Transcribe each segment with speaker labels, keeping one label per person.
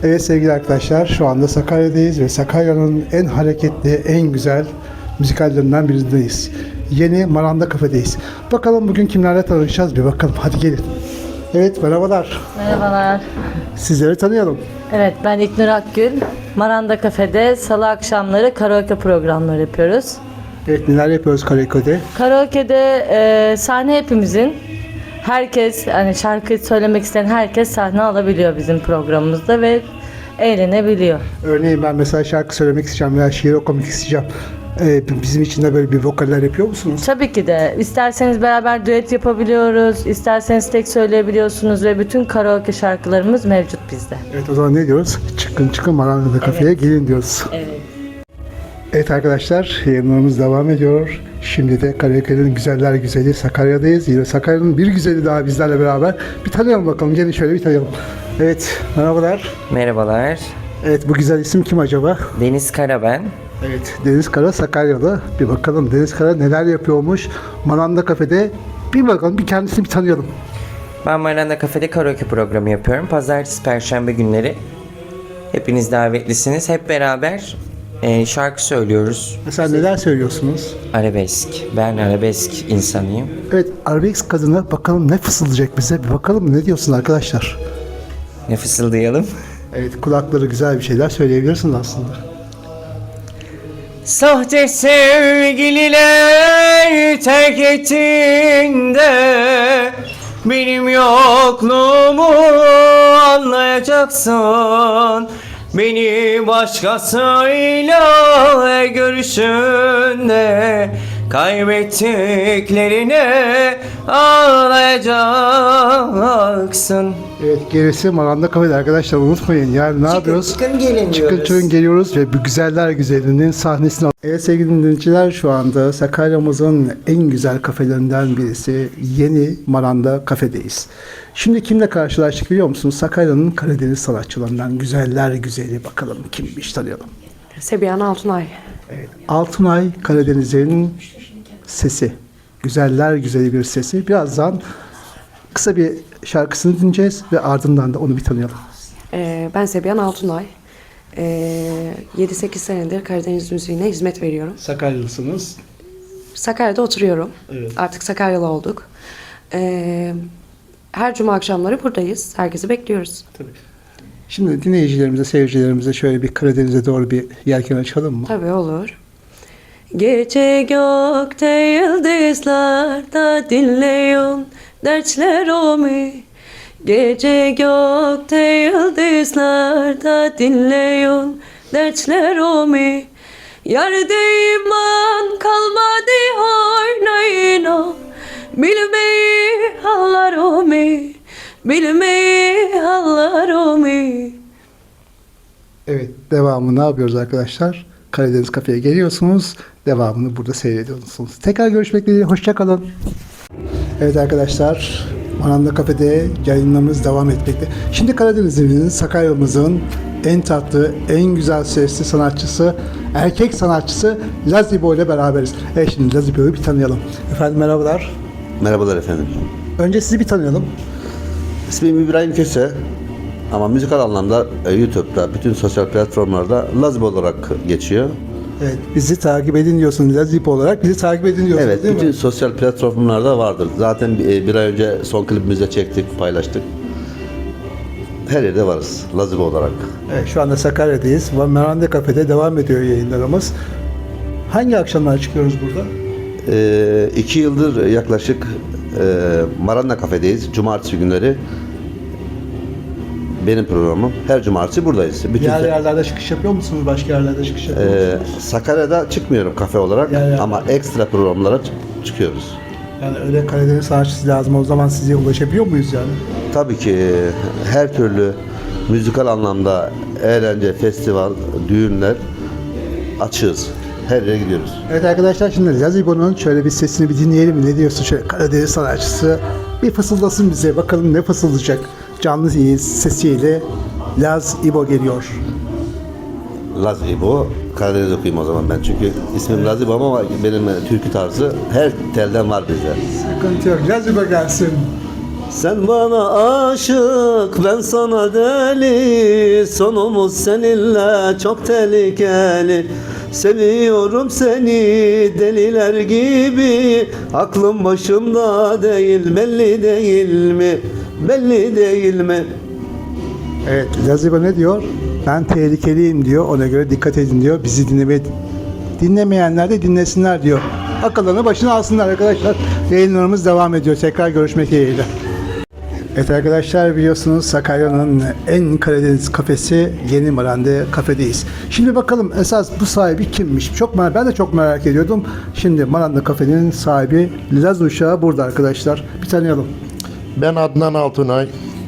Speaker 1: Evet sevgili arkadaşlar, şu anda Sakarya'dayız ve Sakarya'nın en hareketli, en güzel müzikallerinden birindeyiz. Yeni Maranda Kafe'deyiz. Bakalım bugün kimlerle tanışacağız, bir bakalım. Hadi gelin. Evet, merhabalar.
Speaker 2: Merhabalar.
Speaker 1: Sizleri tanıyalım.
Speaker 2: Evet, ben İknur Akgül. Maranda Kafe'de salı akşamları karaoke programları yapıyoruz.
Speaker 1: Evet, neler yapıyoruz karaoke'de?
Speaker 2: Karaoke'de sahne hepimizin. Herkes, hani şarkı söylemek isteyen herkes sahne alabiliyor bizim programımızda ve eğlenebiliyor.
Speaker 1: Örneğin ben mesela şarkı söylemek isteyeceğim veya şiir okumak isteyeceğim. Bizim için de böyle bir vokaller yapıyor musunuz?
Speaker 2: Tabii ki de isterseniz beraber düet yapabiliyoruz, isterseniz tek söyleyebiliyorsunuz ve bütün karaoke şarkılarımız mevcut bizde.
Speaker 1: Evet, o zaman ne diyoruz? Çıkın çıkın Maranda Kafe'ye gelin diyoruz.
Speaker 2: Evet.
Speaker 1: Evet arkadaşlar, yayınlarımız devam ediyor. Şimdi de karaoke'nin güzeller güzeli Sakarya'dayız. Yine Sakarya'nın bir güzeli daha bizlerle beraber. Bir tanıyalım bakalım. Gelin şöyle bir tanıyalım. Evet, merhabalar.
Speaker 3: Merhabalar,
Speaker 1: Evet, bu güzel isim kim acaba?
Speaker 3: Deniz Kara ben.
Speaker 1: Evet, Deniz Kara Sakaryalı. Bir bakalım Deniz Kara neler yapıyormuş Maranda Kafe'de. Bir bakalım, bir kendisini bir tanıyalım.
Speaker 3: Ben Maranda Kafe'de karaoke programı yapıyorum. Pazartesi, Perşembe günleri. Hepiniz davetlisiniz. Hep beraber şarkı söylüyoruz.
Speaker 1: Mesela neler söylüyorsunuz?
Speaker 3: Arabesk. Ben arabesk insanıyım.
Speaker 1: Evet, arabesk kadını bakalım ne fısıldayacak bize. Bir bakalım ne diyorsun arkadaşlar?
Speaker 3: Ne fısıldayalım?
Speaker 1: Evet, kulakları güzel bir şeyler söyleyebilirsiniz aslında.
Speaker 3: Sahte sevgililer terk ettiğinde benim yokluğumu anlayacaksın. Beni başkasıyla görüşünde kaybettiklerine ağlayacaksın.
Speaker 1: Evet, gerisi Maranda Kafe'de arkadaşlar, unutmayın. Yani ne yapıyoruz?
Speaker 3: Çıkın gelin
Speaker 1: Çıkın
Speaker 3: diyoruz.
Speaker 1: çıkın geliyoruz ve bu güzeller güzelinin sahnesine. Evet sevgili dinleyiciler, şu anda Sakarya'mızın en güzel kafelerinden birisi Yeni Maranda Kafe'deyiz. Şimdi kimle karşılaştık biliyor musunuz? Sakarya'nın Karadeniz sanatçılarından güzeller güzeli, bakalım kimmiş tanıyalım.
Speaker 4: Sebihan Altunay.
Speaker 1: Evet, Altunay Karadeniz'in sesi. Güzeller güzeli bir sesi. Birazdan kısa bir şarkısını dinleyeceğiz ve ardından da onu bir tanıyalım.
Speaker 4: Ben Sebihan Altunay. 7-8 senedir Karadeniz müziğine hizmet veriyorum.
Speaker 1: Sakaryalısınız.
Speaker 4: Sakarya'da oturuyorum.
Speaker 1: Evet.
Speaker 4: Artık Sakaryalı olduk. Her cuma akşamları buradayız. Herkesi bekliyoruz.
Speaker 1: Tabii. Şimdi dinleyicilerimize, seyircilerimize şöyle bir Karadeniz'e doğru bir yelken açalım mı?
Speaker 4: Tabii olur. Gece gökte yıldızlarda dinleyin dertler o mu? Gece gökte yıldızlarda dinleyin dertler o mu? Yar iman kalmadı oynayın o. Bilmeyi hallar o mu? Bilmeyi hallar o mu?
Speaker 1: Evet, devamını ne yapıyoruz arkadaşlar? Karadeniz Kafe'ye geliyorsunuz. Devamını burada seyrediyorsunuz. Tekrar görüşmek dileğiyle. Hoşça kalın. Evet arkadaşlar, Maranda Kafe'de yayınlarımız devam etmekte. Şimdi Karadeniz'imizin, Sakarya'mızın en tatlı, en güzel sesli sanatçısı, erkek sanatçısı Lazibo ile beraberiz. Evet, şimdi Lazibo'yu bir tanıyalım. Efendim merhabalar.
Speaker 5: Merhabalar efendim.
Speaker 1: Önce sizi bir tanıyalım.
Speaker 5: İsmim İbrahim Köse ama müzikal anlamda YouTube'da, bütün sosyal platformlarda Lazib olarak geçiyor.
Speaker 1: Evet, bizi takip edin diyorsunuz. Lazibo olarak bizi takip edin diyorsunuz,
Speaker 5: Evet,
Speaker 1: değil
Speaker 5: bütün
Speaker 1: mi?
Speaker 5: sosyal platformlarda vardır. Zaten bir ay önce son klibimizi çektik, paylaştık. Her yerde varız Lazib olarak.
Speaker 1: Evet, şu anda Sakarya'dayız. Maranda Kafe'de devam ediyor yayınlarımız. Hangi akşamlar çıkıyoruz burada?
Speaker 5: 2 yıldır yaklaşık Maranda Kafe'deyiz. Cumartesi günleri benim programım. Her cumartesi buradayız. Bütün
Speaker 1: Diğer yerlerde çıkış yapıyor musunuz? Başka yerlerde çıkış yapıyor musunuz?
Speaker 5: Sakarya'da çıkmıyorum kafe olarak
Speaker 1: Yani-
Speaker 5: ama ekstra programlara çıkıyoruz.
Speaker 1: Yani öyle Karadeniz sanatçısı lazım. O zaman size ulaşabiliyor muyuz yani?
Speaker 5: Tabii ki her türlü müzikal anlamda eğlence, festival, düğünler açığız. Her yere gidiyoruz.
Speaker 1: Evet arkadaşlar, şimdi Lazibo'nun şöyle bir sesini bir dinleyelim. Ne diyorsun şöyle Karadeniz sanatçısı? Bir fısıldasın bize. Bakalım ne fısıldayacak. Canlı sesiyle Laz İbo geliyor.
Speaker 5: Lazibo, Karadeniz okuyayım o zaman ben. Çünkü ismim Lazibo ama benim türkü tarzı her telden var bizde.
Speaker 1: Sıkıntı yok. Lazibo gelsin.
Speaker 5: Sen bana aşık, ben sana deli. Sonumuz seninle çok tehlikeli. Seviyorum seni deliler gibi. Aklım başımda değil, belli değil mi? Belli değil mi?
Speaker 1: Evet, Lazigo ne diyor? Ben tehlikeliyim diyor. Ona göre dikkat edin diyor. Bizi dinlemeyenler de dinlesinler diyor. Akıllarını başına alsınlar arkadaşlar. Yayınlarımız devam ediyor. Tekrar görüşmek dileğiyle. Evet arkadaşlar, biliyorsunuz Sakarya'nın en Karadeniz kafesi Yeni Maranda kafedeyiz. Şimdi bakalım esas bu sahibi kimmiş? Ben de çok merak ediyordum. Şimdi Maranda kafenin sahibi Laz Uşağı burada arkadaşlar. Bir tanıyalım.
Speaker 6: Ben Adnan Altunay.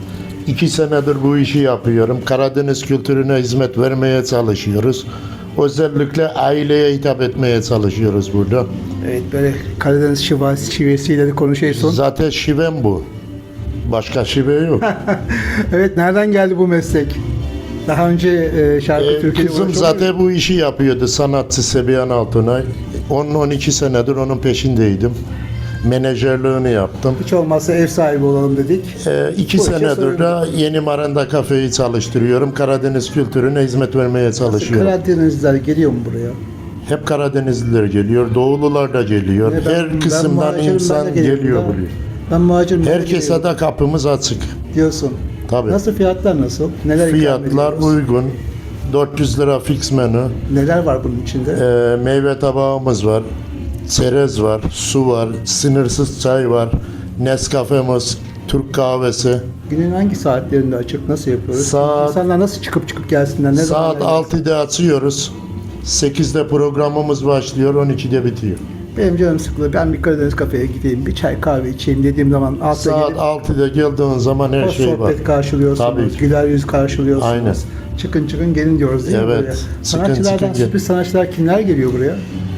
Speaker 6: 2 senedir bu işi yapıyorum. Karadeniz kültürüne hizmet vermeye çalışıyoruz. Özellikle aileye hitap etmeye çalışıyoruz burada.
Speaker 1: Evet, böyle Karadeniz şivesiyle de konuşuyorsun.
Speaker 6: Zaten şivem bu. Başka şive yok.
Speaker 1: Evet, nereden geldi bu meslek? Daha önce şarkı Türkiye'de
Speaker 6: Kızım zaten bu işi yapıyordu. Sanatçı Sebihan Altunay. 10-12 senedir onun peşindeydim. Menajerliğini yaptım.
Speaker 1: hiç olmazsa ev sahibi olalım dedik.
Speaker 6: 2
Speaker 1: Bu işe
Speaker 6: senedir
Speaker 1: sorun
Speaker 6: de Yeni Maranda kafeyi çalıştırıyorum. Karadeniz kültürüne hizmet vermeye çalışıyorum.
Speaker 1: Karadenizliler geliyor mu buraya?
Speaker 6: Hep Karadenizliler geliyor, Doğulular da geliyor. Her kısımdan
Speaker 1: muhacirim, ben
Speaker 6: insan
Speaker 1: de geliyorum
Speaker 6: geliyor
Speaker 1: da.
Speaker 6: buraya.
Speaker 1: Ben muhacirim.
Speaker 6: Herkese de kapımız açık.
Speaker 1: diyorsun.
Speaker 6: Tabii.
Speaker 1: Nasıl fiyatlar nasıl? Neler ikram
Speaker 6: Fiyatlar
Speaker 1: ediyoruz?
Speaker 6: uygun. 400 lira fix menü.
Speaker 1: Neler var bunun içinde?
Speaker 6: Meyve tabağımız var. Çerez var, su var, sınırsız çay var. Nescafe'miz, Türk kahvesi.
Speaker 1: Günün hangi saatlerinde açık? Nasıl yapıyoruz?
Speaker 6: Saat-
Speaker 1: İnsanlar nasıl çıkıp gelsinler? Ne
Speaker 6: Saat
Speaker 1: zaman?
Speaker 6: 6'da açıyoruz. 8'de programımız başlıyor, 12'de bitiyor.
Speaker 1: Benim canım sıkıldı. Ben bir Karadeniz kafeye gideyim, bir çay kahve içeyim dediğim zaman altta
Speaker 6: Saat
Speaker 1: gelip
Speaker 6: 6'da geldiğin zaman her
Speaker 1: hoş
Speaker 6: şey var.
Speaker 1: sohbet karşılıyorsunuz.
Speaker 6: Tabii ki.
Speaker 1: Güler yüz karşılıyorsunuz.
Speaker 6: Aynen.
Speaker 1: Çıkın gelin diyoruz değil mi
Speaker 6: Evet,
Speaker 1: buraya?
Speaker 6: çıkın,
Speaker 1: Sanatçılardan
Speaker 6: çıkın, gelin.
Speaker 1: sürpriz sanatçılar kimler geliyor buraya?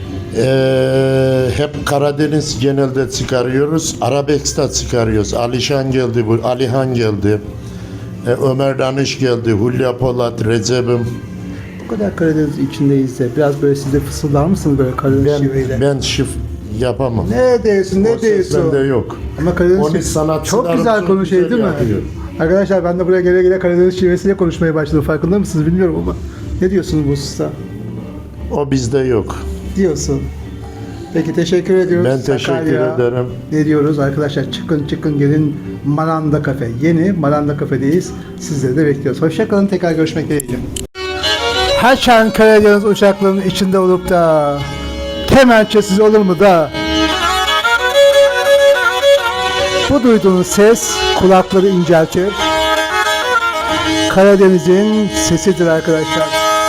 Speaker 6: Hep Karadeniz genelde çıkarıyoruz. Arabesk'te çıkarıyoruz. Alişan geldi, Alihan geldi. Ömer Danış geldi, Hulya Polat, Recep'im.
Speaker 1: Bu kadar Karadeniz içindeyiz de biraz böyle siz de fısıldar mısınız böyle Karadeniz şiveyle?
Speaker 6: Ben şif yapamam.
Speaker 1: Ne diyorsun, ne
Speaker 6: O ses
Speaker 1: diyorsun?
Speaker 6: bende yok.
Speaker 1: Ama Karadeniz
Speaker 6: Onu
Speaker 1: şivesi
Speaker 6: sanatçılarım
Speaker 1: çok güzel
Speaker 6: çok
Speaker 1: konuşuyor
Speaker 6: güzel
Speaker 1: değil mi?
Speaker 6: yapıyor.
Speaker 1: Arkadaşlar ben de buraya gele Karadeniz şivesiyle konuşmaya başladım. Farkında mısınız bilmiyorum ama. Ne diyorsunuz bu hususta?
Speaker 6: O bizde yok.
Speaker 1: Diyorsun. Peki teşekkür ediyoruz.
Speaker 6: Ben teşekkür
Speaker 1: Sakarya.
Speaker 6: ederim.
Speaker 1: Ne diyoruz arkadaşlar? Çıkın gelin Maranda Kafe. Yeni Maranda Kafe'deyiz. Sizleri de bekliyoruz. Hoşçakalın. Tekrar görüşmek dileğiyle. Haçan Karadeniz uçaklarının içinde olup da kemençesiz olur mu da? Bu duyduğunuz ses kulakları inceltir. Karadeniz'in sesidir arkadaşlar.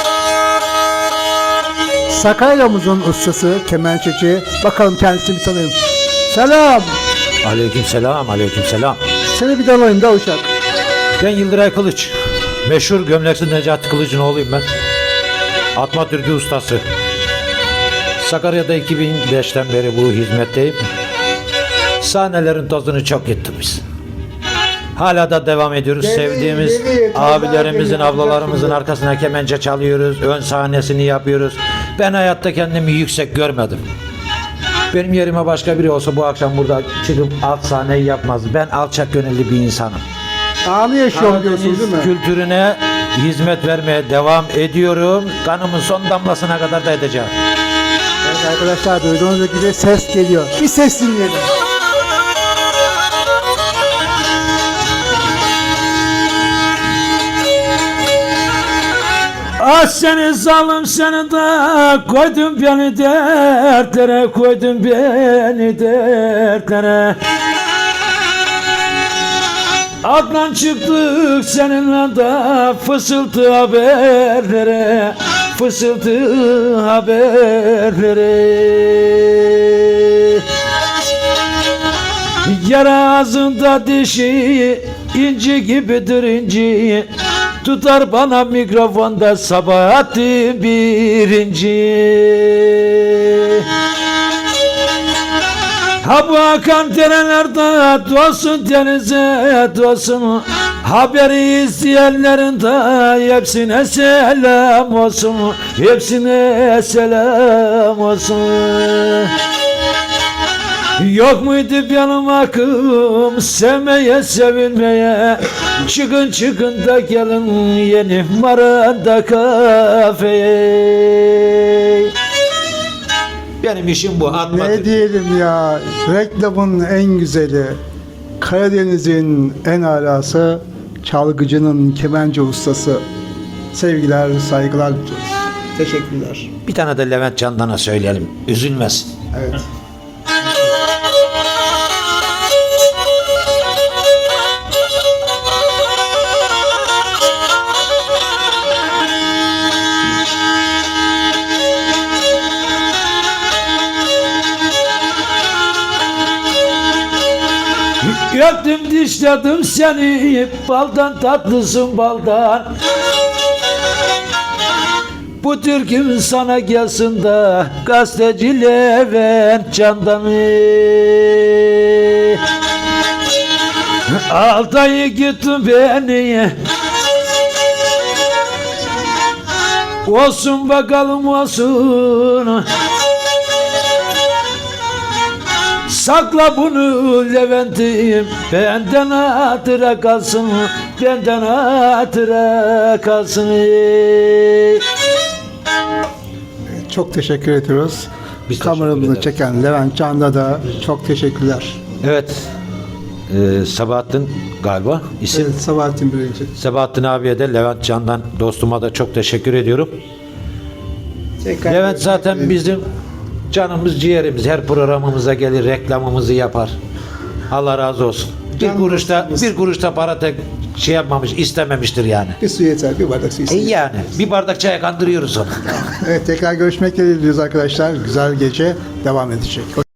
Speaker 1: Sakarya'mızın ustası, kemençeci. Bakalım kendisini bir tanıyalım. Selam.
Speaker 7: Aleykümselam, aleykümselam.
Speaker 1: Seni bir dalayım da uşak.
Speaker 7: Ben Yıldıray Kılıç. Meşhur gömleksiz Necati Kılıç'ın oğluyum ben. Atma türkü ustası. Sakarya'da 2005'ten beri bu hizmetteyim. Sahnelerin tozunu çok gittik biz. Hala da devam ediyoruz. Sevdiğimiz abilerimizin, ablalarımızın arkasına kemençe çalıyoruz. Ön sahnesini yapıyoruz. Ben hayatta kendimi yüksek görmedim. Benim yerime başka biri olsa bu akşam burada çıkıp alt sahneyi yapmaz. Ben alçak gönüllü bir insanım.
Speaker 1: Anı yaşıyorum diyorsun
Speaker 7: Karadeniz
Speaker 1: değil mi?
Speaker 7: kültürüne hizmet vermeye devam ediyorum. Kanımın son damlasına kadar da edeceğim.
Speaker 1: Evet arkadaşlar duyduğunuz gibi ses geliyor. Bir ses dinleyelim.
Speaker 7: Ah seni zalim seni de koydum beni dertlere, koydum beni dertlere. Adnan çıktık seninle de fısıltı haberlere, fısıltı haberlere. Yara ağzında dişi inci gibidir inci. Tutar bana mikrofonda Sabahattin birinci. Ha bu akan derelerde dolsun denize dolsun. Haberi isteyenlerin de hepsine selam olsun. Hepsine selam olsun. Yok muydu benim hakkım sevmeye sevilmeye? Çıkın çıkın da gelin yeni Maranda kafeye. Benim işim bu. Atma
Speaker 1: Ne diyelim ya, reklamın en güzeli, Karadeniz'in en alası, çalgıcının kemençe ustası. Sevgiler, saygılar diliyoruz. Teşekkürler.
Speaker 7: Bir tane de Levent Candan'a söyleyelim. Üzülmesin.
Speaker 1: Evet.
Speaker 7: Gördüm dişledim seni, baldan tatlısın baldan. Bu türküm sana gelsin de gazeteci Levent Candan. Altayı gittin beni, olsun bakalım olsun. Sakla bunu Levent'im, benden hatıra kalsın, benden hatıra kalsın.
Speaker 1: Çok teşekkür ediyoruz.
Speaker 7: Biz
Speaker 1: Kameramızı
Speaker 7: teşekkür ederiz.
Speaker 1: çeken Levent Can'da da çok teşekkürler.
Speaker 7: Evet, Sabahattin galiba isim.
Speaker 1: Evet, Sabahattin Birinci.
Speaker 7: Sabahattin abiye de Levent Can'dan dostuma da çok teşekkür ediyorum.
Speaker 1: Tekrar
Speaker 7: Levent zaten
Speaker 1: görüşmek
Speaker 7: bizim canımız ciğerimiz. Her programımıza gelir, reklamımızı yapar. Allah razı olsun.
Speaker 1: Can dostumuz.
Speaker 7: Bir kuruşta para tek şey yapmamış, istememiştir yani.
Speaker 1: Bir su yeter, bir bardak su isteyin.
Speaker 7: Yani bir bardak çaya kandırıyoruz onu.
Speaker 1: Evet, tekrar görüşmek dileğiyle arkadaşlar. Güzel gece devam edecek.